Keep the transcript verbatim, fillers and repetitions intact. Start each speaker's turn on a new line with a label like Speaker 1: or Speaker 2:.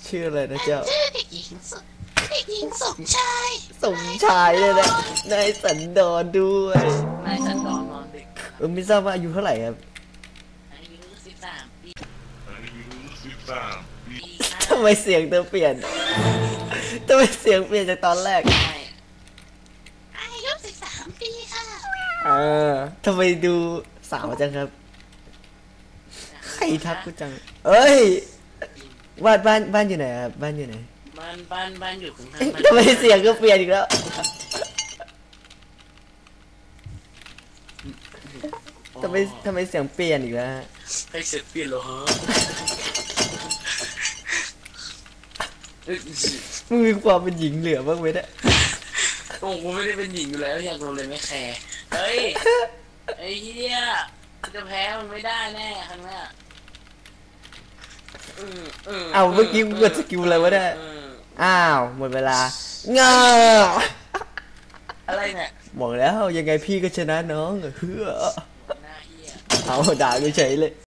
Speaker 1: ชื่ออะไรนะเจ้า
Speaker 2: ชื่อเด็กหญิงสเด็กหญิงสมชาย
Speaker 1: สมชายเลยนะนายสันดอนด้วย
Speaker 2: นายสันดอนนอนดึก
Speaker 1: เออไม่ทราบว่าอายุเท่าไหร่ครับ
Speaker 2: อายุสิบสามปี
Speaker 3: อายุสิบสามปี
Speaker 1: ทำไมเสียงเธอเปลี่ยนทำไมเสียงเปลี่ยนจากตอนแรก
Speaker 2: อายุสิบสามปีค่ะ
Speaker 1: เออทำไมดูสาวจังครับใครทักกูจังเอ้ยบ้านบ้านบ้านอยู่ไหนครับบ้านอยู่ไหน
Speaker 2: บ้านบ้านบ้านอยู่ข้างทาง
Speaker 1: ทำไมเสียงก็เปลี่ยนอีกแล้วทำไมทำไมเสียงเปลี่ยนอีกแล้ว
Speaker 2: ให้เสร็จเปลี่ยนเหรอฮะ
Speaker 1: มึงมีความเป็นหญิงเหลือบ้างไหมเนี่ย
Speaker 2: โอ้กูไม่ได้เป็นหญิงอยู่แล้วอยากโดนเลยไม่แคร์เฮ้ยไอ้เหี้ยจะแพ้มันไม่ได้แน่ครั้งนี้
Speaker 1: เอาเมื่อกี้กูกดสกิลอะไรวะเนี่ยอ้าวหมดเวลาเงา
Speaker 2: อะไรเนี่ย
Speaker 1: บอกแล้วยังไงพี่ก็ชนะน้องเฮ้อเอาด่ากูเฉยเลย